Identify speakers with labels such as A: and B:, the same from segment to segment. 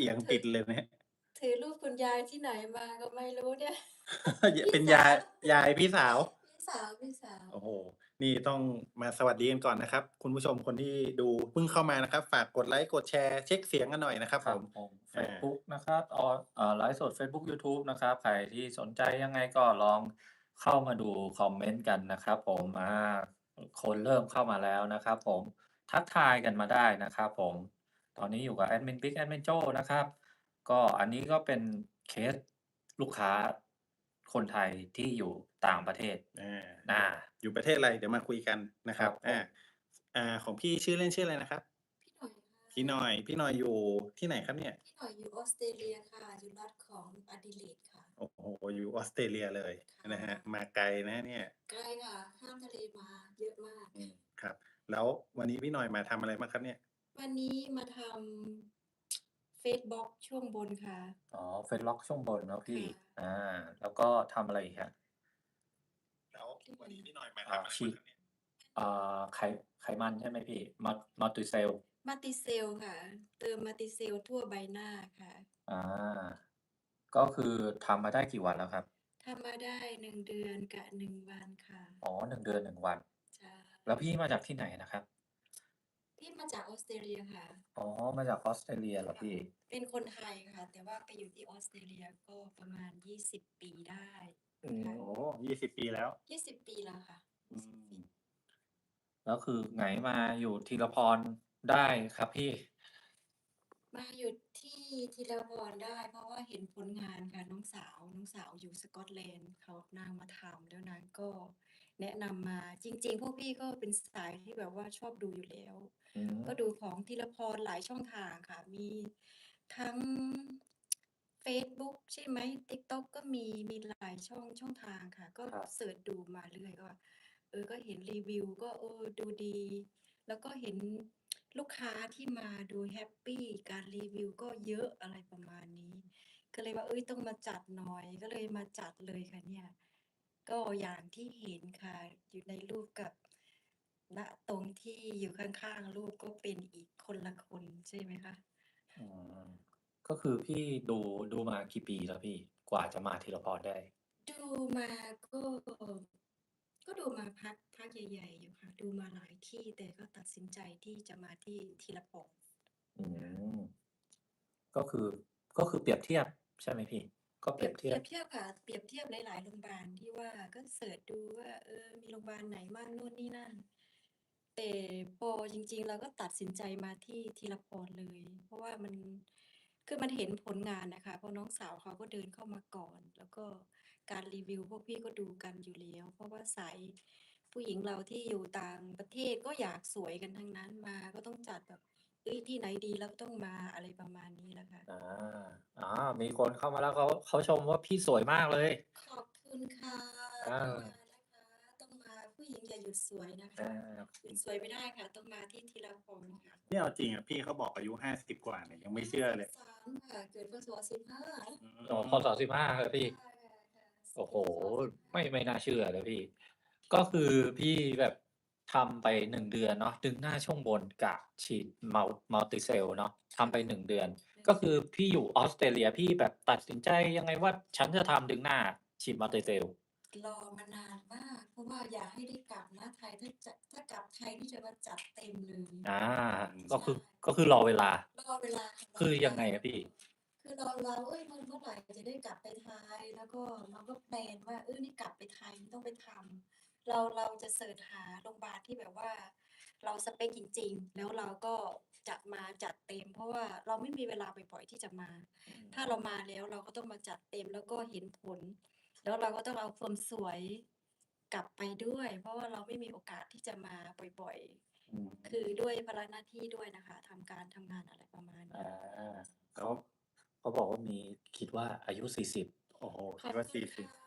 A: อียง
B: ถือ
A: ติดเลยนะ
B: ถือรูปคุณยายที่ไหนมาก็ไม่รู้เนี่ย
A: ย
B: พี่
A: เป็นยาย
B: สาว
A: ยายพี่สาว
B: พี่สาว
A: โอ้โฮนี่ต้องมาสวัสดีกันก่อนนะครับคุณผู้ชมคนที่ดูเพิ่งเข้ามานะครับฝากกดไลก์กดแชร์เช็กเสียงกันหน่อยนะครับผม
C: ครับผมเฟ
A: อา
C: ซบุ๊กนะครับไลฟ์สดเฟซบุ๊กยูทูบนะครับใครที่สนใจยังไงก็ลองเข้ามาดูคอมเมนต์กันนะครับผมคนเริ่มเข้ามาแล้วนะครับผมทักทายกันมาได้นะครับผมตอนนี้อยู่กับแอดมินบิ๊กแอดมินโจ้นะครับก็อันนี้ก็เป็นเคสลูกค้าคนไทยที่อยู่ต่างประเทศ
A: อา
C: อา
A: อยู่ประเทศอะไรเดี๋ยวมาคุยกันนะ
C: ค
A: ครับ
C: รับผม
A: ของพี่ชื่อเล่นชื่ออะไรนะครับ
B: พี่หน่อย
A: พี่หน่อยอยู่ที่ไหนครับเนี่ย
B: พี่หน่อยอยู่ออสเตรเลียค่ะอยู่รัฐของอดิเลดค่ะ
A: โอ้โฮอยู่ออสเตรเลียเลยนะครับ
B: ค่ะ
A: มาไกลนะเนี่ย
B: ไกลค่ะข้ามทะเลมาเยอะมาก
A: อืมครับแล้ววันนี้พี่หน่อยมาทำอะไรบ้างครับเนี่ย
B: วันนี้มาทำเฟซบล็อกช่วงบนค่ะ
C: อ๋อเฟซล็อกช่วงบนเนาะพี่
B: ค่ะ
C: อาแล้วก็ทำอะไรอีกครับ
A: แล้ววันนี้พี่หน่อยมาทำอะไร
C: ฉีด
A: บ้างครับเนี่ย
C: อ่ไขมันใช่ไหมพี่Matrixyl
B: มาติเซลค่ะเติมมาติเซลทั่วใบหน้าค่ะ
C: อาก็คือทำมาได้กี่วันแล้วครับ
B: ทำมาได้1 เดือนกับ1 วันค่ะ
C: อ๋อ1เดือน1วัน
B: ใช่
C: แล้วพี่มาจากที่ไหนนะครับ
B: พี่มาจากออสเตรเลียค่ะ
C: อ๋อมาจากออสเตรเลียเหรอ
B: ค่ะ
C: พี่
B: เป็นคนไทยค่ะแต่ว่าไปอยู่ที่ออสเตรเลียก็ประมาณ20ปีได้
C: อื
B: ค่ะ
A: โอ้โฮ
C: ม
A: 20ปีแล้ว
B: 20ปีแล้วค่ะ
A: อื
B: 20
A: ม
B: ปี
C: แล้วคือไงมาอยู่ทีละพรได้ครับพี่
B: มาอยู่ที่ธีรพรได้เพราะว่าเห็นผลงานค่ะน้องสาวอยู่สกอตแลนด์เขานางมาทำแล้วนางก็แนะนำมาจริงๆพวกพี่ก็เป็นสายที่แบบว่าชอบดูอยู่แล้ว
C: อืม
B: ก็ดูของธีรพรหลายช่องทางค่ะมีทั้งเฟซบุ๊กใช่ไหม TikTok ก็มีหลายช่องทางค่ะก็
C: ครับ
B: เสิร์ชดูมาเรื่อยก็ก็เห็นรีวิวก็ดูดี แล้วก็เห็นลูกค้าที่มาดูแฮปปีการรีวิวก็เยอะอะไรประมาณนี้ก็เลยว่าต้องมาจัดหน่อยก็เลยมาจัดเลยค่ะเนี่ยก็อย่างที่เห็นค่ะอยู่ในรูปกับณตรงที่อยู่ข้างๆรูปก็เป็นอีกคนละคนใช่ไหมคะ
C: อืมก็คือพี่ดูมากี่ปีแล้วพี่กว่าจะมาทีละพรได้
B: ดูมาก็ดูมาพักใหญ่ๆอยู่ค่ะดูมาหลายที่แต่ก็ตัดสินใจที่จะมาที่ทีละปก
C: อืมก็คือเปรียบเทียบใช่ไหมพี่ก็
B: เปรียบ
C: เปรียบเทียบ
B: เปรียบเทียบค่ะเปรียบเทียบหลายๆโรงพยาบาลที่ว่าก็เสิร์ชดูว่ามีโรงพยาบาลไหนบ้างนู่นนี่นั่นแต่พอจริงๆเราก็ตัดสินใจมาที่ทีละพรเลยเพราะว่ามันคือมันเห็นผลงานน่ะค่ะเพราะน้องสาวเขาก็เดินเข้ามาก่อนแล้วก็การรีวิวพวกพี่ก็ดูกันอยู่แล้วเพราะว่าสายผู้หญิงเราที่อยู่ต่างประเทศก็อยากสวยกันทั้งนั้นมาก็ต้องจัดแบบที่ไหนดีเราก็ต้องมาอะไรประมาณนี้แหละค่ะ
C: อาอ๋อมีคนเข้ามาแล้วเขาชมว่าพี่สวยมากเลย
B: ขอบคุณค่ะ
C: อา
B: ต้องมานะคะต้องมาผู้หญิงอย่าหยุดสวยนะ
C: อา
B: คะหยุดสวยไม่ได้ค่ะต้องมาที่ทีละพรค่ะ
A: นี่เอาจริงอะพี่เขาบอกอายุ50กว่าเนี่ยยังไม่เชื่อเลย
B: 53ค่ะเกิดพศ15
A: อื
C: อ๋อพ
A: ม
C: ศ15เหรอพี่
B: ใช่ค่ะ
C: โอ้โฮ
B: เกิดพศ15
C: ไม่น่าเชื่อเลยพี่ก็คือพี่แบบทำไป1เดือนเนาะดึงหน้าช่วงบนกับฉีดMulticell เนาะทำไป1เดือนก็คือพี่อยู่ออสเตรเลียพี่แบบตัดสินใจยังไงว่าฉันจะทำดึงหน้าฉีด Multicell
B: รอมานานมากเพราะว่าอยากให้ได้กลับนะไทยถ้ากลับไทยนี่จะมาจัดเต็มเลย
C: อา
A: อืม
C: ก็
B: ใช่
C: คือรอเวลา
B: รอเวลาค่ะรอ
C: คือ
B: เวลา
C: ยังไงอะพี่
B: คือเราเมื่อไหร่จะได้กลับไปไทยแล้วก็เราก็แพลนว่านี่กลับไปไทยต้องไปทำเราจะเสิร์ชหาโรงพยาบาลที่แบบว่าเราสเปกจริงๆแล้วเราก็จะมาจัดเต็มเพราะว่าเราไม่มีเวลาบ่อยๆที่จะมาถ้าเรามาแล้วเราก็ต้องมาจัดเต็มแล้วก็เห็นผลแล้วเราก็ต้องเอาความสวยกลับไปด้วยเพราะว่าเราไม่มีโอกาสที่จะมาบ่อย
C: อืม
B: ๆคือด้วยภาระหน้าที่ด้วยนะคะทำงานอะไรประมาณ
C: อา
B: นี้
C: เขาเขาบอกว่ามีคิดว่าอายุ40
A: โอ้โฮ
B: ขอบ
A: คิดว่า
B: คุณ
A: 40
B: ค่ะ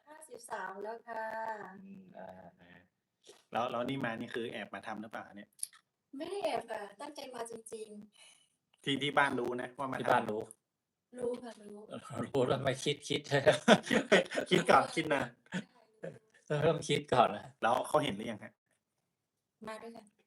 B: 53แล้วค่ะ
A: อืมแล้วนี่มานี่คือแอบมาทำหรือเปล่าเนี่ย
B: ไม่ได้แอบค่ะตั้งใจมาจริง
A: ที่บ้านรู้นะว่ามาทำ
C: ที่บ้านรู้
B: ๆรู้ค่ะรู้
C: รู้แล้วไม่คิด
A: คิดก่อนคิดนาน
B: ใช่รู้
C: เริ่มคิดก่อนนะ
A: แล้วเขาเห็นหรือยังครับ
B: มาด้วยกัน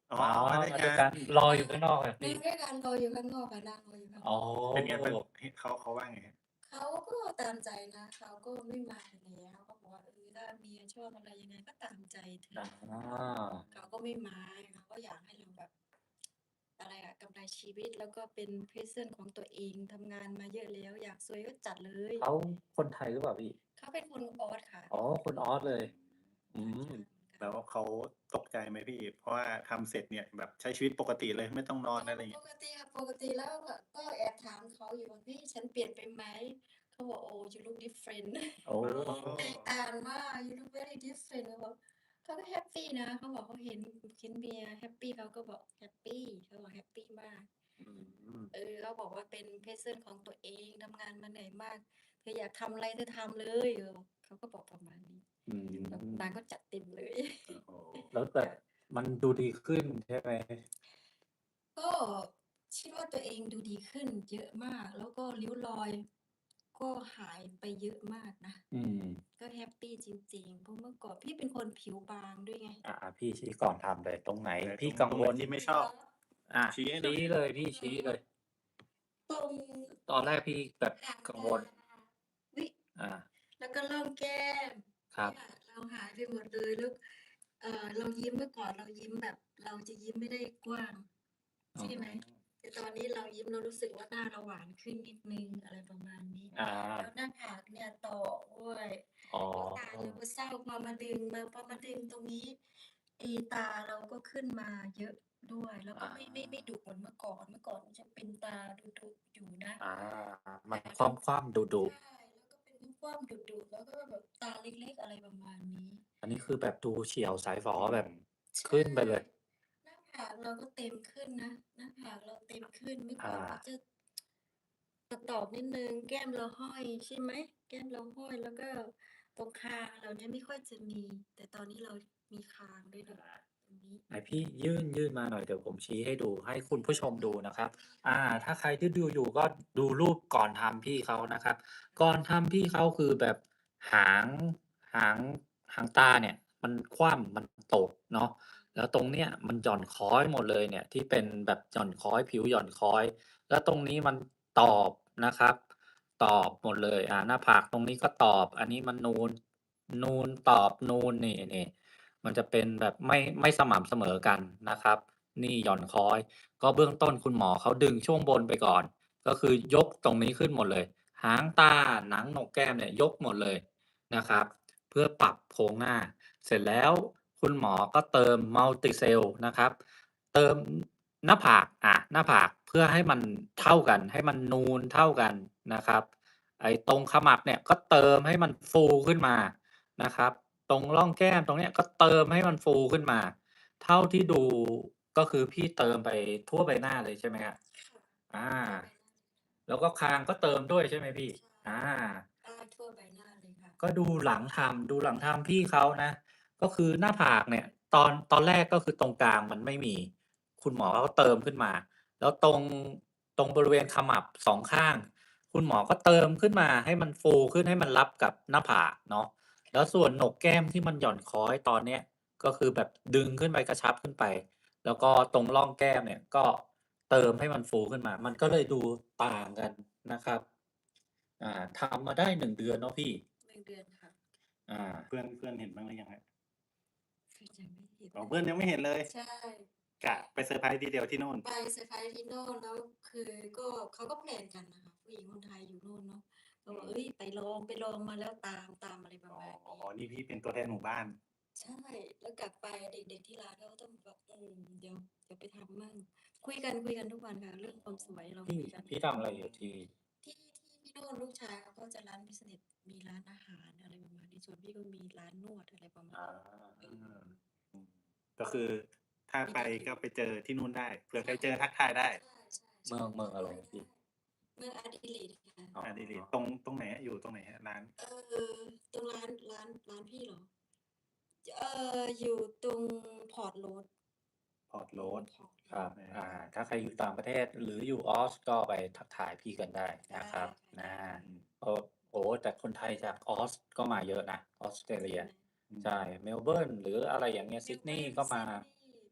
A: อ๋อ
C: อ๋อ
A: มาด้วย
C: มา
A: กั
C: ด้วยกัน
A: น
C: รออยู่ข้างนอกอะ
B: มา
C: พี่
B: ด้วยกันรออยู่ข้างนอกค่ะนั่งรออยู่ข้างน
C: อ๋อ
B: อก
A: เป็นไงบ้าง เขาว่าไงครับ?
B: เขาก็ตามใจนะ เขาก็ไม่มาอยู่แล้ว เขาบอกว่า ถ้าเมียชอบอะไรยังไงก็ตามใจเธ
C: อ๋
B: อ
C: อ
B: เขาก็ไม่มา เขาก็อยากให้เราแบบ อะไรอะ กำไรชีวิต แล้วก็เป็น present ของตัวเอง ทำงานมาเยอะแล้ว อยากซวยก็จัดเลย
C: เขาคนไทยหรือเปล่าพี่?
B: เขาเป็นคนออสค่ะ
C: อ๋อ คนออสเลย อื
B: ต่างชาม ติเหมือนกัน
A: แล้วเขาตกใจไหมพี่? เพราะว่าทำเสร็จเนี่ยแบบใช้ชีวิตปกติเลย ไม่ต้องนอน อะไรอย่างเ
B: ป
A: งี้ย
B: กติค่ะ ปกติแล้วก็แอบถามเขาอยู่ว่า "พี่ฉันเปลี่ยนไปไหม?" เขาบอก "Oh you look different"
C: โอ้
B: แตกต่างมาก "You look very different" เขาบอก เขาก็แฮปปีนะ เขาบอกเขาเห็นเมียแฮปปี เขาก็บอกแฮปปี เขาบอกแฮปปีมาก
C: อืม
B: เขาบอกว่าเป็น present ของตัวเอง ทำงานมาเหนื่อยมาก เธออยากทำอะไรเธอทำเลย เขาก็บอกประมาณนี้
C: อื
B: แบบ
C: ม
B: นางก็จัดเต็มเลย
A: โอ้โฮ
C: แล้วแบบมันดูดีขึ้นใช่ไหม?
B: ก็คิดว่าตัวเองดูดีขึ้นเยอะมาก แล้วก็ริ้วรอยก็หายไปเยอะมากนะ
C: อืม
B: ก็แฮปปีจริง ๆ เพราะเมื่อก่อนพี่เป็นคนผิวบางด้วยไง
C: พี่ชี้ก่อนทำเลย ตรงไหน
A: ไหน
C: พี่
A: ต
C: กัง
A: รง
C: ว
A: ไหน
C: ล
A: ที่ไม่ชอบ ชี้ให้หน่
C: ชี้
A: อย
C: เลยพี่ ชี้เลย
B: ตรง
C: ตอนแรกพี่แบบ
B: หาง
C: กัง
B: ต
C: วล
B: อุ๊ย
C: อา
B: แล้วก็ร่องแก้ม
C: ครับ
B: เนี่ยเราหายไปหมดเลย แล้วเรายิ้ม เมื่อก่อนเรายิ้มแบบ เราจะยิ้มไม่ได้กว้าง
C: อ๋
B: ใช่ไหม
C: อ
B: แต่ตอนนี้เรายิ้มเรารู้สึกว่าหน้าเราหวานขึ้นนิดหนึ่ง อะไรประมาณนี้
C: อา
B: แล้วหน้าผากเนี่ยโตด้วย
C: อ๋อ
B: แล้วตาเราก็เศร้า พอมาดึงตรงนี้ ตาเราก็ขึ้นมาเยอะด้วย แล้วก็ไม่ดุเหมือนเมื่อก่อน เมื่อก่อนมันจะเป็นตาดุๆอยู่นะ
C: อา
B: แ
C: มั
B: ต่
C: นคว่ำๆ ดุ
B: ใช
C: ๆ
B: ่ แล้วก็เป็นกว้างๆดุๆ แล้วก็แบบตาเล็ก ๆ อะไรประมาณนี้
C: อันนี้คือแบบดูเฉียวสายฝอแบบ
B: ใช
C: ขึ้นไปเลย
B: หน้าผากเราก็เต็มขึ้นนะ หน้าผากเราเต็มขึ้น เมื่อ
C: อ
B: ก่อนก็
C: า
B: จะ ตอบ ๆ นิดหนึ่ง แก้มเราห้อยใช่ไหม แก้มเราห้อย แล้วก็ตรงคางเราเนี่ยไม่ค่อยจะมี แต่ตอนนี้เรามีคางด้วยนะ ตรงนี้
C: ไหนพี่ยื่นมาหน่อย เดี๋ยวผมชี้ให้ดู ให้คุณผู้ชมดูนะครับ ถ้าใครที่ดูอยู่ก็ดูรูปก่อนทำพี่เขานะครับ ก่อนทำพี่เขาคือแบบหาง หางตาเนี่ยมันคว่ำ มันตกเนาะ แล้วตรงเนี้ยมันหย่อนค้อยหมดเลยเนี่ย ที่เป็นแบบหย่อนค้อย ผิวหย่อนค้อย แล้วตรงนี้มันตอบนะครับ ตอบหมดเลย หน้าผากตรงนี้ก็ตอบ อันนี้มันนูนตอบนูน นี่ ๆ มันจะเป็นแบบไม่สม่ำเสมอกันนะครับ นี่หย่อนค้อย ก็เบื้องต้นคุณหมอเขาดึงช่วงบนไปก่อน ก็คือยกตรงนี้ขึ้นหมดเลย หางตา หนังโหนกแก้มเนี่ยยกหมดเลยนะครับ เพื่อปรับโครงหน้า เสร็จแล้วคุณหมอก็เติม Multicell นะครับ เติมหน้าผาก หน้าผากเพื่อให้มันเท่ากัน ให้มันนูนเท่ากันนะครับ ไอ้ตรงขมับเนี่ยก็เติมให้มันฟูขึ้นมานะครับ ตรงร่องแก้มตรงเนี้ยก็เติมให้มันฟูขึ้นมา เท่าที่ดูก็คือพี่เติมไปทั่วใบหน้าเลยใช่ไหมครับ?
B: ค่ะ
C: อา
B: ทั่วใบหน้า
C: แล้วก็คางก็เติมด้วยใช่ไหมพี่?
B: ใช่
C: อา
B: ใต้ทั่วใบหน้าเลยค่ะ
C: ก็ดูหลังทำพี่เขานะ ก็คือหน้าผากเนี่ย ตอนแรกก็คือตรงกลางมันไม่มี คุณหมอเขาก็เติมขึ้นมา แล้วตรงบริเวณขมับ 2 ข้าง คุณหมอก็เติมขึ้นมาให้มันฟูขึ้น ให้มันรับกับหน้าผากเนาะ แล้วส่วนโหนกแก้มที่มันหย่อนค้อยตอนเนี้ย ก็คือแบบดึงขึ้นไป กระชับขึ้นไป แล้วก็ตรงร่องแก้มเนี่ยก็เติมให้มันฟูขึ้นมา มันก็เลยดูต่างกันนะครับ ทำมาได้ 1 เดือนเนาะพี่?
B: 1 เดือนค่ะ
C: อา
A: เพื่อนเห็นบ้างหรือยังครับ?
B: เพื่อนยังไม่เห็น
A: อ๋อ เพื่อนยังไม่เห็นเลย
B: ใช่
A: กะไปเซอร์ไพรส์ทีเดียวที่นู่น
B: ไปเซอร์ไพรส์ที่โน่น แล้วคือเขาก็แพลนกันน่ะค่ะ ผู้หญิงคนไทยอยู่นู่นเนาะ ก็บอก ไปลองมาแล้วตามอะไรประ
A: อ๋อ
B: มาณนี้
A: นี่พี่เป็นตัวแทนหมู่บ้าน
B: ใช่ แล้วกลับไปเด็ก ๆ ที่ร้านเขาก็ต้องแบบ เดี๋ยวไปทำมั่ง คุยกันทุกวันค่ะ เรื่องความสวยเราคุยกัน
C: พี่ทำอะไรอยู่ที่?
B: ที่โน่นลูกชายเขาก็จะรันบิสเนส มีร้านอาหาร อะไรประมาณนี้ ส่วนพี่ก็มีร้านนวด อะไรประมาณ
A: อา
B: นี้
A: ก็คือถ้าไปก็ไปเจอที่นู่นได้ เผื่อใครเจอทักทายได้
B: ใช่
C: เมืองอะไรพี่?
B: เมือง Adelaide ค่ะ
C: อ๋อ
A: Adelaide ตรงไหนอะ อยู่ตรงไหนครับร้าน?
B: ตรงร้านพี่เหรอ? อยู่ตรง Port Road
A: Port Road
C: ครับ ถ้าใครอยู่ต่างประเทศหรืออยู่ออสก็ไปทักทายพี่กันได้นะครับ
B: ได้
C: โอ้โฮ แต่คนไทยจากออสก็มาเยอะนะ ออสเตรเลีย
B: ใช่ไหม?
C: ใช่ เมลเบิร์น หรืออะไรอย่างเงี้ย ซิดนีย์ก็มา
B: ซิดนีย์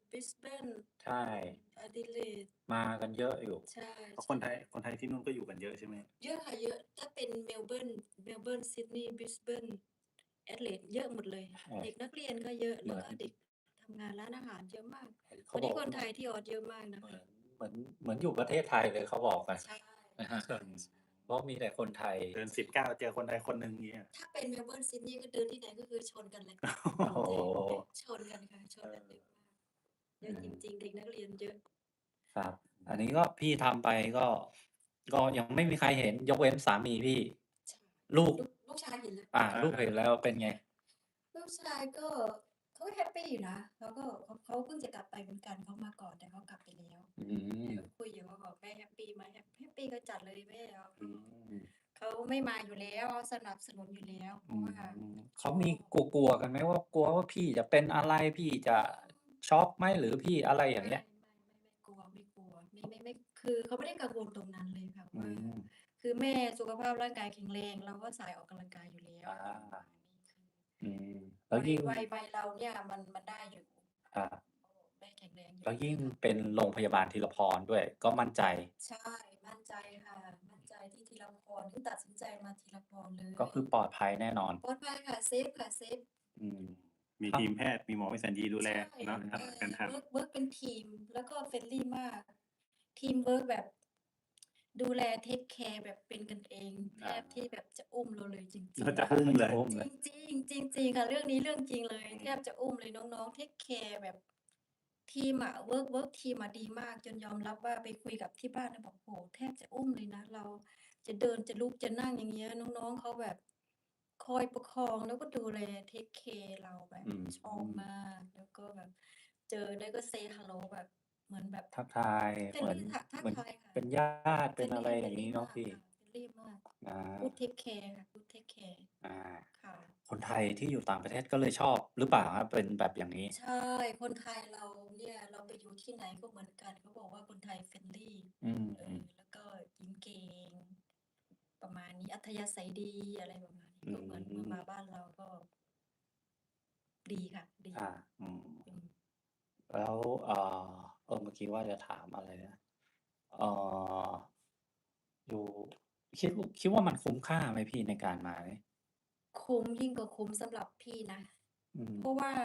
B: บริสเบน
C: ใช่
B: อดิเลด
C: มากันเยอะอยู่
B: ใช่
A: เพราะ
B: ใช
A: คนไทยที่นู่นก็อยู่กันเยอะใช่ไหม?
B: เยอะค่ะ เยอะ ถ้าเป็นเมลเบิร์น ซิดนีย์ บริสเบน แอดเลด เยอะหมดเลย
C: ใช่
B: เด็กนักเรียนก็เยอะ
C: เห
B: แล้
C: มื
B: ว
C: อน
B: ก็เด็กทำงานร้านอาหารเยอะมาก
C: เข
B: วัน
C: บ
B: นี้
C: อก
B: คนไทยที่ออสเยอะมากนะ
C: เหมื
B: คะ
C: เหมือนอยู่ประเทศไทยเลยเขาบอกกัน
B: ใช่
C: นะครับ
B: ใช่
C: เพราะมีแต่คนไทย
A: เดิน 19 เจอคนไทยคนหนึ่ง เงี้ย
B: ถ้าเป็นเมลเบิร์น ซิดนีย์ ก็เดินที่ไหนก็คือชนกันเลย
C: โอ้โฮ
B: ชนกันค่ะ ช
C: เอน
B: กัน
C: อ
B: เยอะมาก เยอะจริง ๆ เด็กนักเรียนเยอะ
C: ครับ อันนี้ก็พี่ทำไปก็ยังไม่มีใครเห็น ยกเว้นสามีพี่
B: ใช่
C: ลูก
B: ลูกชายเห็นแล้ว
C: ลูกเห็นแล้วเป็นไง?
B: ลูกชายก็เขาแฮปปีอยู่นะ เขาก็ เขาเพิ่งจะกลับไปเหมือนกัน เขามาก่อนแต่เขากลับไปแล้ว
C: อื
B: แม่
C: ม
B: ก็คุยอยู่ เขาบอก "แม่แฮปปีไหม?" แฮปปีก็จัดเลยแม่ เขา
C: อืม
B: เขาไม่มาอยู่แล้ว เขาสนับสนุนอยู่แล้ว เพ
C: อื
B: ราะว่า
C: เข
B: ช
C: ามีกลัว ๆ กันไหมว่า กลัวว่าพี่จะเป็นอะไร พี่จะช็อกไหม หรือพี่อะไรอย่างเงี้ย?
B: ไม่กลัว ไม่กลัว ไม่ คือเขาไม่ได้กังวลตรงนั้นเลยค่ะ
C: อื
B: ว่า
C: ม
B: คือแม่สุขภาพร่างกายแข็งแรง เราก็สายออกกำลังกายอยู่แล้ว
C: อา
B: ประมาณนี้ คือ
C: อืม แล้
B: วั
C: วย ยิ่ง
B: วัยเราเนี่ยมันได้อยู่
C: ครับ
B: แม่แข็งแรงอยู่
C: แล้วยิ่ง
B: ค่ะ
C: เป็นโรงพยาบาลทีรพรด้วย ก็มั่นใจ
B: ใช่ มั่นใจค่ะ มั่นใจที่ทีรพร ที่ตัดสินใจมาทีรพรเลย
C: ก็คือปลอดภัยแน่นอน
B: ปลอดภัยค่ะ เซฟค่ะ เซฟ
C: อืม
A: มี
C: ครับ
A: ทีมแพทย์ มีหมอวิสัญญีดูแล
B: ใช่
A: เนาะ การทำ
B: เวิร์กเป็นทีม แล้วก็ friendly มาก ทีมเวิร์กแบบ ดูแล เทกแคร์แบบเป็นกันเอง แท
C: อา
B: บที่แบบจะอุ้มเราเลยจริง
A: ก็จะ
B: ๆ
A: อุ้มเลย
C: อุ้มเลย
B: จริง ๆ จริง ๆ ค่ะ เรื่องนี้เรื่องจริงเลย
A: อืม
B: แทบจะอุ้มเลย น้อง ๆ เทกแคร์แบบ ทีมอะเวิร์กทีมอะดีมาก จนยอมรับว่าไปคุยกับที่บ้านแล้วบอก โอ้โฮ แทบจะอุ้มเลยนะ เราจะเดิน จะลุก จะนั่ง อย่างเงี้ย น้อง ๆ เขาแบบคอยประคอง แล้วก็ดูแล เทกแคร์เราแบบ
C: อืม
B: ชอบมาก แล้วก็แบบเจอได้ก็ say hello แบบ เหมือนแบบ
C: ทักทาย เหมือน
B: friendly ทัก ทั
C: เห
B: ก
C: มือน
B: ทายค่ะ
C: เป็นญาติ เป็นอะไร
B: friendly
C: อย่างงี้
B: friendly
C: เนาะ
B: มาก
C: พี่
B: ค่ะ friendly มาก
C: อา
B: good take care ค่ะ good take care
C: อา
B: ค่ะ
C: คนไทยที่อยู่ต่างประเทศก็เลยชอบหรือเปล่าครับ? เป็นแบบอย่างนี้
B: ใช่ คนไทยเราเนี่ย เราไปอยู่ที่ไหนก็เหมือนกัน เขาบอกว่าคนไทย friendly
C: อืม
B: แล้วก็ยิ้มเก่ง ประมาณนี้ อัธยาศัยดี อะไรประมาณนี้
C: อื
B: ก็เหมือนมา บ้านเราก็ ดีค่ะ ดี
C: อา อืม
B: อืม
C: แล้ว เมื่อกี้ว่าจะถามอะไรนะ เอ่อ อยู่ คิดว่ามันคุ้มค่าไหมพี่ในการมานี้?
B: คุ้ม ยิ่งกว่าคุ้มสำหรับพี่นะ
C: อืม
B: เพราะว่า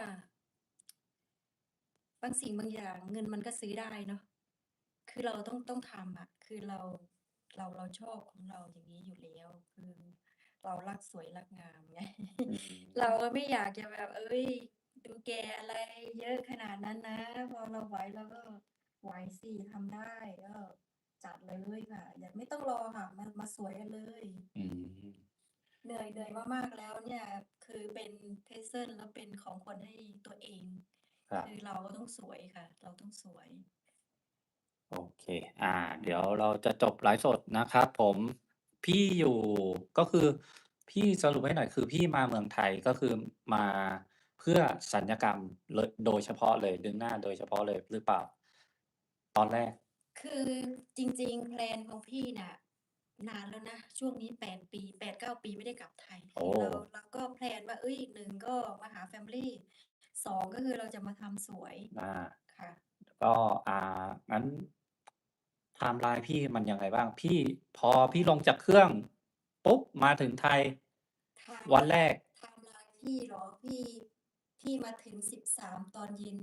B: บางสิ่งบางอย่างเงินมันก็ซื้อได้เนาะ คือเราต้องทำอะ คือเราชอบของเราอย่างนี้อยู่แล้ว คือเรารักสวยรักงาม ไง
C: อื
B: เรา
C: ม
B: ก็ไม่อยากจะแบบ เฮ้ย ดูแก่อะไรเยอะขนาดนั้นนะ พอเราไหวเราก็ไหวสิ ทำได้ ก็จัดเลยค่ะ อย่า ไม่ต้องรอค่ะ มาสวยกันเลย
C: อืม
B: เหนื่อยมาก ๆ แล้วเนี่ย คือเป็น present แล้วเป็นของขวัญให้ตัวเอง
C: ครับ
B: คือเราก็ต้องสวยค่ะ เราต้องสวย
C: โอเค เดี๋ยวเราจะจบไลฟ์สดนะครับผม พี่อยู่ ก็คือพี่สรุปให้หน่อย คือพี่มาเมืองไทย ก็คือมาเพื่อศัลยกรรมโดยเฉพาะเลย ดึงหน้าโดยเฉพาะเลยหรือเปล่า? ตอนแรก
B: คือจริง ๆ แพลนของพี่น่ะ นานแล้วนะ ช่วงนี้ 8 ปี 8-9 ปีไม่ได้กลับไทย
C: โอ้
B: คือเราก็แพลนว่า เฮ้ย 1 ก็มาหาแฟมิลี 2 ก็คือเราจะมาทำสวย
C: อา
B: ค่ะ
C: ก็ งั้น ไทม์ไลน์พี่มันยังไงบ้าง? พอพี่ลงจากเครื่องปุ๊บ มาถึงไทย
B: ไทม์
C: วันแรก
B: ไทม์ไลน์พี่เหรอ? พี่มาถึง 13 ตอนเย็น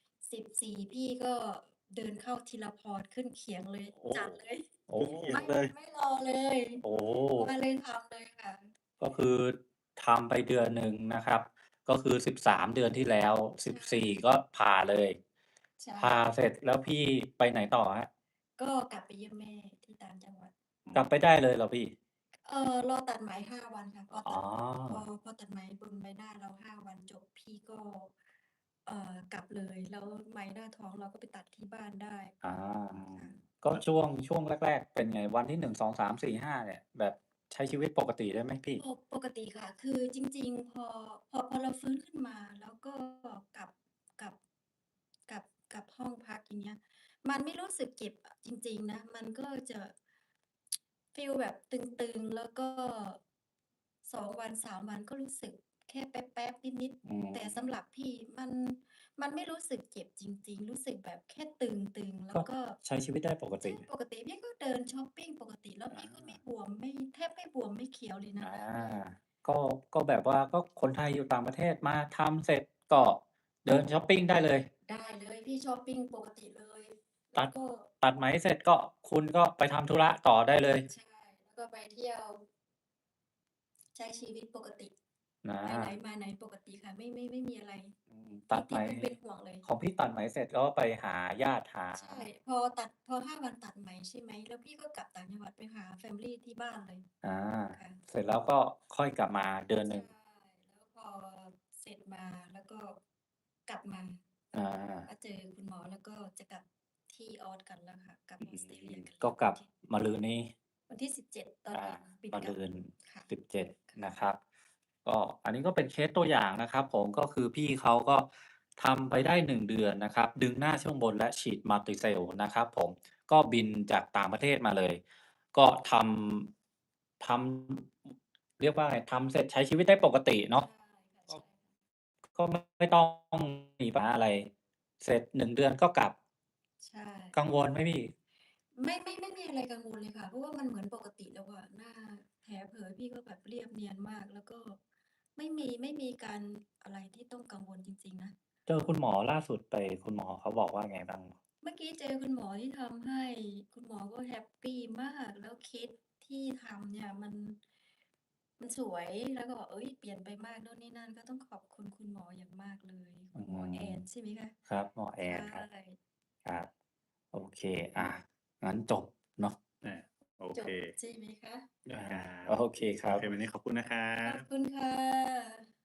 B: 14 พี่ก็เดินเข้าทีรพร ขึ้นเขียงเลย
C: โอ้
B: จัดเลย
C: โอ้
A: ขึ้นเขีย
B: ไม่
A: งเลย
B: ไม่รอเลย
C: โอ้
B: มาเลยทำเลยค่ะ
C: ก็คือทำไปเดือนหนึ่งนะครับ ก็คือ 13 เดือนที่แล้ว
B: ใช่
C: 14 ก็ผ่าเลย
B: ใช่
C: ผ่าเสร็จแล้วพี่ไปไหนต่อครับ?
B: ก็กลับไปเยี่ยมแม่ที่ต่างจังหวัด
C: กลับไปได้เลยเหรอพี่?
B: รอตัดไหม 5 วันค่ะ
C: อ๋อ
B: พอตัดไหมบนใบหน้าเรา 5 วันจบ พี่ก็ กลับเลย แล้วไหมหน้าท้องเราก็ไปตัดที่บ้านได้
C: อา
B: ค่ะ
C: ก็ช่วงแรก ๆ เป็นไง? วันที่ 1 2 3 4 5 เนี่ย แบบใช้ชีวิตปกติได้ไหมพี่?
B: ปกติค่ะ คือจริง ๆ พอเราฟื้นขึ้นมา แล้วก็กลับ กลับ กลับ กลับห้องพัก อย่างเงี้ย มันไม่รู้สึกเจ็บอะ จริง ๆ นะ มันก็จะ ฟีลแบบตึง ๆ แล้วก็ 2 วัน 3 วันก็รู้สึกแค่แป๊บๆนิด
C: อื
B: ๆ แต่
C: ม
B: สำหรับพี่มันไม่รู้สึกเจ็บจริง ๆ รู้สึกแบบแค่ตึง ๆ แล้
C: ก็
B: วก็
C: ใช้ชีวิตได้ปก
B: ใช่
C: ติ
B: ปกติพี่ก็เดินช็อปปิงปกติ แล้ว
C: อ
B: พี่ก็ไม่
C: า
B: บวม แทบไม่บวมไม่เขียวเลยนะ
C: อา
B: คะ
C: ก็ ก็แบบว่า ก็คนไทยอยู่ต่างประเทศมาทำเสร็จก็เดินช็อปปิงได้เลย
B: ได้เลย พี่ช็อปปิงปกติเลย แล
C: ต้ั
B: ว
C: ด
B: ก็
C: ตัดไหมเสร็จก็คุณก็ไปทำธุระต่อได้เลย
B: ใช่ แล้วก็ไปเที่ยว ใช้ชีวิตปกติ
C: อ
B: ไปไหน
C: า
B: มาไหนปกติค่ะ ไม่มีอะไร
C: อืม
B: ท
C: ตัดไหม
B: ที่ต้องเป็นห่วงเลย
C: ของพี่ตัดไหมเสร็จก็ไปหาญาติ หา
B: ใช่ พอ 5 วันตัดไหมใช่ไหม แล้วพี่ก็กลับต่างจังหวัดไปหาแฟมิลีที่บ้านเลย
C: อา
B: ค่ะ
C: เสร็จแล้วก็ค่อยกลับมาเดือนห
B: ใช
C: นึ่ง
B: แล้วพอเสร็จมา แล้วก็กลับมา
C: อา
B: มาเจอคุณหมอ แล้วก็จะกลับที่ออสกันแล้วค่ะ กลับ
C: อื
B: ออสเตรเลียกัน
C: ก็กลับ
B: ที่
C: มะรืนนี้
B: วันที่ 17 ตอน
C: อา
B: เย็นบิน
C: มะ
B: กลั
C: รืน
B: ค่ะ
C: 17
B: ค่ะ
C: นะครับ ก็อันนี้ก็เป็นเคสตัวอย่างนะครับผม ก็คือพี่เขาก็ทำไปได้ 1 เดือนนะครับ ดึงหน้าช่วงบนและฉีด Multicell นะครับผม ก็บินจากต่างประเทศมาเลย ก็ทำ เรียกว่าไง ทำเสร็จใช้ชีวิตได้ปกติเนาะ
B: ใช่ค่ะ
C: ก็
B: ใช่
C: ก็ไม่ต้องมีปัญหาอะไร เสร็จ 1 เดือนก็กลับ
B: ใช่
C: กังวลไหมพี่?
B: ไม่มีอะไรกังวลเลยค่ะ เพราะว่ามันเหมือนปกติแล้วอะ หน้าแผลเผลอพี่ก็แบบเรียบเนียนมาก แล้วก็ไม่มีการอะไรที่ต้องกังวลจริง ๆ นะ
C: เจอคุณหมอล่าสุดไป คุณหมอเขาบอกว่าไงบ้าง?
B: เมื่อกี้เจอคุณหมอที่ทำให้ คุณหมอก็แฮปปีมาก แล้วเคสที่ทำเนี่ยมันสวย แล้วก็บอก เฮ้ย เปลี่ยนไปมากโน่นนี่นั่น ก็ต้องขอบคุณคุณหมออย่างมากเลย
C: อ
B: คืุณหมอแอ
C: ม
B: นใช่ไหมคะ?
C: ครับ หมอแอ
B: ใช
C: นครับ
B: ่
C: ครับ โอเค งั้นจบเนาะ
A: อา โอ
B: จ
A: เค
B: บใช่ไหมคะ?
C: อา
A: ครับ
C: โอเคครั
A: โอเค
C: บ
A: วันนี้ขอบคุณนะครั
B: ขอบ
A: บ
B: คุณค่ะ